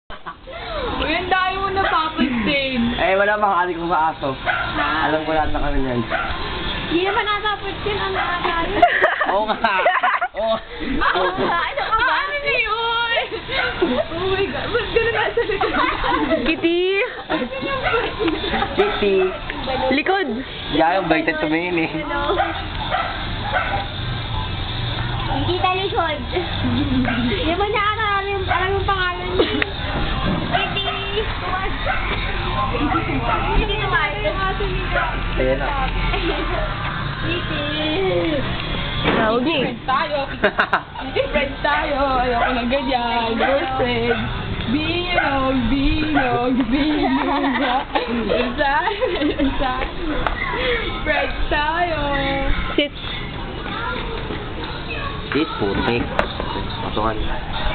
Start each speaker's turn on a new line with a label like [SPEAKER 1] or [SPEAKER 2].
[SPEAKER 1] Uy, ang dami mo napapansin.
[SPEAKER 2] Eh, wala makakali kong maaso. Alam ko lahat na kami yan.
[SPEAKER 1] Hindi naman natapansin ang nakakayo.
[SPEAKER 2] Oo nga. Oo.
[SPEAKER 1] Ano ka ba? Ano na yun? Oh my God, ba't gano'n nasa likod?
[SPEAKER 3] Kitty!
[SPEAKER 2] Kitty.
[SPEAKER 3] Likod!
[SPEAKER 2] Diyan yung baited tumingin eh.
[SPEAKER 1] Hindi tayo likod. Hindi mo niya alam yung pangalan niya. Kitty! Kitty naman.
[SPEAKER 2] Ayan na.
[SPEAKER 1] Kitty!
[SPEAKER 3] Tawag niya.
[SPEAKER 1] Friend tayo. Friend tayo. Ayoko ng ganyan. We're friends. Binog. Friend tayo.
[SPEAKER 3] Sit.
[SPEAKER 2] Sit, putik. Pasukan.